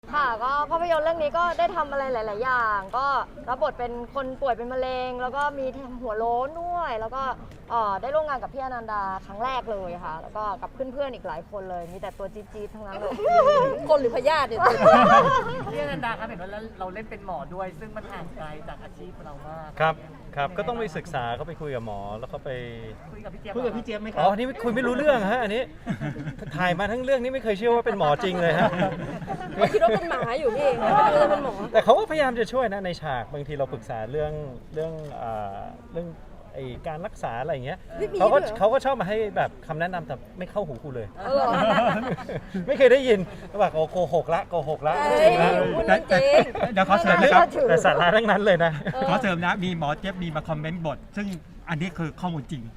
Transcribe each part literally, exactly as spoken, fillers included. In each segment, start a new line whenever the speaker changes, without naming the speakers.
ค่ะก็ภาพยนตร์เรื่องนี้ก็ได้ทำอะไรหลาย ๆ อย่างก็รับบทเป็นคนป่วยเป็นมะเร็งแล้วก็มีหัวโล้นด้วยแล้วก็ได้ร่วมงานกับพี่อนันดาครั้งแรกเลยค่ะแล้วก็กับเพื่อน ๆ อีกหลายคนเลยมีแต่ตัวจี๊ด ๆ ทั้งนั้นเลย
คนหรือพยาธิเนี่ย
พี่อนันดาครับเห็นว่าเราเล่นเป็นหมอด้วยซึ่งมันห่างไกลจากอาชีพเรามาก
ครับครับก็ต้องไปศึกษาก็ไปคุยกับหมอแล้วก็ไป
คุยกับพี่เจี๊ยบ
คุยกับพี่เจี๊ยบไหมครั
อ๋อนี่คุยไม่รู้เรื่องฮะอันนี้ถ่ายมาทั้งเรื่องนี้ไม่เคยเชื่อว่าเป็นหมอจริงเลยฮะ
ไม่คิดว่าเป็นหมาอยู่พี่ไม่คิดว่าเป็นหมอ
แต่เขาก็พยายามจะช่วยนะในฉากบางทีเราปรึกษาเรื่องเรื่องเรื่องไอ้การรักษาอะไรอย่างเงี้ยเขาก็เขาก็ชอบมาให้แบบคำแนะนำแต่ไม่เข้าหูกูเลยไม่เคยได้ยินแบบโกหกละโกหกละจริงละ
เดี๋ยวขอเสริมนะครับ
แต่สาระทั้งนั้นเลยนะ
ขอเสริมนะมีหมอเจี๊ยบมีมาคอมเมนต์บทซึ่งอันนี้คือข้อมูลจริง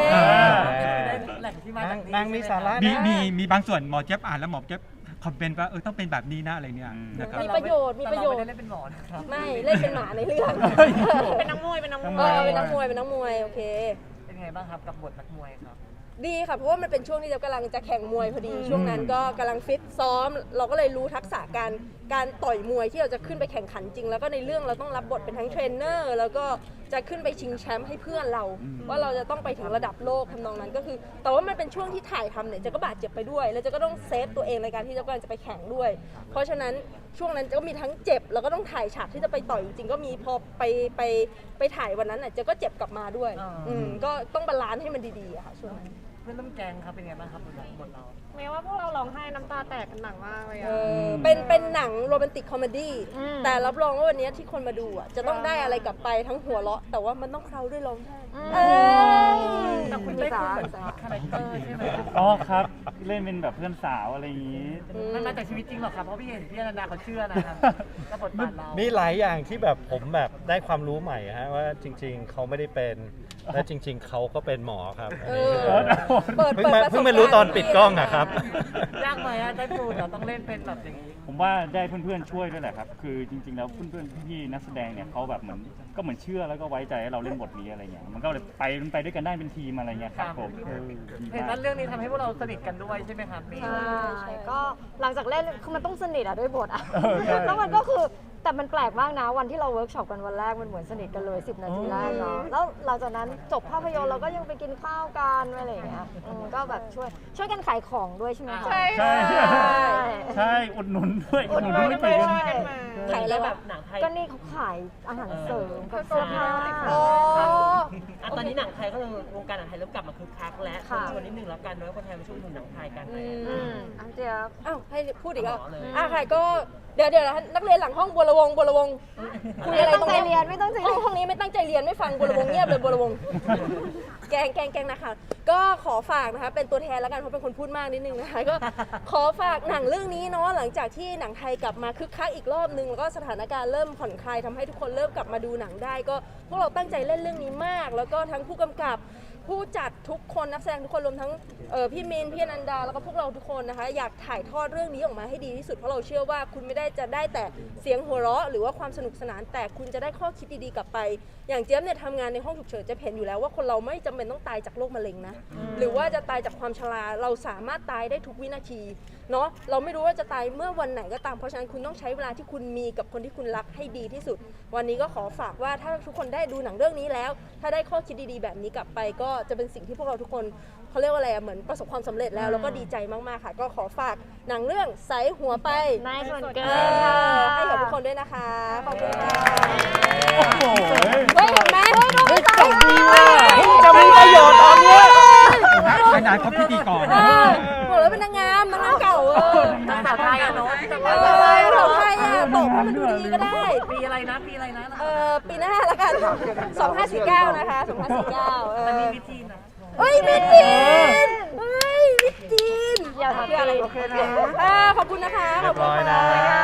นางมีสาระ
มีมีมีบางส่วนหมอเจี๊ยบอ่านแล้วหมอเจี๊ยบคอมเมนต์ว่าเออต้องเป็นแบบนี้นะอะไรเนี่ยนะครับ
มีประโยชน์มีประโยชน์
ไม่ได้เล่นเป็นหมอนะครับ
ไม่เล่นเป็นหมาในเรื่อง
เป็นนักมวยเป็นนักมวย
เป็นนักมวยเป็นนักมวยโอเค
เป็นไงบ้างครับกับบทนักมวยครับ
ดีค่ะเพราะว่ามันเป็นช่วงที่เรากำลังจะแข่งมวยพอดีช่วงนั้นก็กำลังฟิตซ้อมเราก็เลยรู้ทักษะการการต่อยมวยที่เราจะขึ้นไปแข่งขันจริงแล้วก็ในเรื่องเราต้องรับบทเป็นทั้งเทรนเนอร์แล้วก็จะขึ้นไปชิงแชมป์ให้เพื่อนเราว่าเราจะต้องไปถึงระดับโลกทำนองนั้นก็คือแต่ว่ามันเป็นช่วงที่ถ่ายทำเนี่ยจะก็บาดเจ็บไปด้วยแล้วจะก็ต้องเซฟตัวเองในการที่จะกำลังจะไปแข่งด้วยเพราะฉะนั้นช่วงนั้นจะก็มีทั้งเจ็บแล้วก็ต้องถ่ายฉากที่จะไปต่อยจริงก็มีพอไปไปไปถ่ายวันนั้นน่ะจะก็เจ็บกลับมาด้วยอืมก็ต้องบาลานซ์ให้มันดีๆอะค่ะช่วงนั้น
เพื่อนร่วมแกงครับเป็นไงบ้างครับบทเรา
แม้ว่าพวกเราร้องไห้น้ำตาแตกกันหนักมากเลยอ่ะ
เป็นเป็นหนังโรแมนติกคอมเมดี้แต่รับรองว่าวันนี้ที่คนมาดูอ่ะจะต้องได้อะไรกลับไปทั้งหัวเราะแต่ว่ามันต้องเคล้าด้วยร้องไห้
แต่คุณได้คุณเหมือนคาแรคเตอร์ใช่ไหม
อ๋อครับเล่นเป็นแบบเพื่อนสาวอะไรอย่างนี้
มันมาจากชีวิตจริงหรอครับเพราะพี่เห็นพี่อนันดาเขาเชื่อนะครับกับบทบาทเรา
มีหลายอย่างที่แบบผมแบบได้ความรู้ใหม่ฮะว่าจริงๆเขาไม่ได้เป็นและจริงๆเขาก็เป็นหมอครับเพิ่งมาเพิ่งมารู้ตอนปิดกล้องอะครับ
ยากไหมอะได้พูดเราต้องเล่นเป็นแบบอย่างนี้
ผมว่าได้เพื่อนๆช่วยด้วยแหละครับคือจริงๆแล้วเพื่อนๆพี่นักแสดงเนี่ยเขาแบบเหมือนก็เหมือนเชื่อแล้วก็ไว้ใจให้เราเล่นบทนี้อะไรเงี้ยมันก็เลยไปไปด้วยกันได้เป็นทีมอะไรเงี้ยครับผม
เห็นว่าเรื่องนี้ทำให้พวกเราสนิทกันด้วยใช่ไหมครับ
ใช่ก็หลังจากเล่นคือมันต้องสนิทอะด้วยบทอะแล้วมันก็คือแต่มันแปลกมากนะวันที่เราเวิร์กช็อปกันวันแรกมันเหมือนสนิทกันเลยสิบนาทีแรกเนาะแล้วหลังจากนั้นจบภาพยนตร์เราก็ยังไปกินข้าวกันอะไรอย่างเงี้ยก็แบบช่วยช่วยกันขายของด้วยใช่ไหมคะ
ใช่ใช่ใช่อุดหนุนด้วยอุดหนุนด้วย
ด้วย
ขายอะไรแบบ
หนังไทย
ก็นี่เขาขายอาหารเสริมกับเสื้อผ้า
ตอนนี้หนังไทยก็คือวงการหนังไทยเริ่มกลับมาคึกคักแล้วชวนนิดนึงแล้วกันเนาะคนไทยมาช่วยดูหนังไทยกัน
อันเดียว
อ้าวให้พูดอีกแล้วอ่ะใครก็เดี๋ยวเดี๋ยวนักเรียนหลังห้องบัวระวงบัวระวง
คุยอะไรตรงนี้เรียนไม่ต้องใจเรียน
ห้องนี้ไม่ตั้งใจเรียนไม่ฟังบัวระวงเงียบเลยบัวระวงแกงแกงแกงนะคะก็ขอฝากนะคะเป็นตัวแทนแล้วกันเพราะเป็นคนพูดมากนิดนึงนะคะก็ขอฝากหนังเรื่องนี้เนาะหลังจากที่หนังไทยกลับมาคึกคักอีกรอบนึงแล้วก็สถานการณ์เริ่มผ่อนคลายทำให้ทุกคนเริ่มกลับมาดูหนังได้ก็พวกเราตั้งใจเล่นเรื่องนี้มากแล้วก็ทั้งผู้กำกับผู้จัดทุกคนนักแสดงทุกคนรวมทั้งพี่มินพี่อนันดาแล้วก็พวกเราทุกคนนะคะอยากถ่ายทอดเรื่องนี้ออกมาให้ดีที่สุดเพราะเราเชื่อว่าคุณไม่ได้จะได้แต่เสียงหัวเราะหรือว่าความสนุกสนานแต่คุณจะได้ข้อคิดดีๆกลับไปอย่างเจี๊ยบเนี่ยทำงานในห้องฉุกเฉินจะเห็นอยู่แล้วว่าคนเราไม่จำเป็นต้องตายจากโรคมะเร็งนะหรือว่าจะตายจากความชราเราสามารถตายได้ทุกวินาทีเนาะเราไม่รู้ว่าจะตายเมื่อวันไหนก็ตามเพราะฉะนั้นคุณต้องใช้เวลาที่คุณมีกับคนที่คุณรักให้ดีที่สุดวันนี้ก็ขอฝากว่าถ้าทุกคนได้ดูหนังเรื่องนี้แล้วถ้าได้ข้อคิดดีๆแบบนี้กลับไปก็จะเป็นสิ่งที่พวกเราทุกคนเขาเรียกว่าอะไรเหมือนประสบความสำเร็จแล้วแล้วก็ดีใจมากๆค่ะก็ขอฝากหนังเรื่องใสหัวไป
นายส่วนเกิน
ให้กับทุกคนด้วยนะคะขอบคุณค่ะ
โอ้โห
เฮ้ยเห็นไหม
เฮ้ยจบดีว่ะ
จะมีประโยชน์ตอนนี้
ขนาดเขาพิธีกร
บอกแล้วเป็นนางงามนางงามเก่าเออ
ภาษาไทยอะเนาะ
ภาษาไทยภาษาไทยอะตกให้มันดูดีก็ได้
ปีอะไรนะปีอะไรนะ
เออปีหน้าละกันสองพันห้าร้อยสี่สิบเก้านะคะสองพันห้าร้อยสี่สิบเก้าเออ
มีวิธีนะ
เฮ้ยมิจีนเฮ้ยมิจีน
อย่าทำอะไร
โอเคนะขอบคุณนะคะ
ขอบคุณค่ะ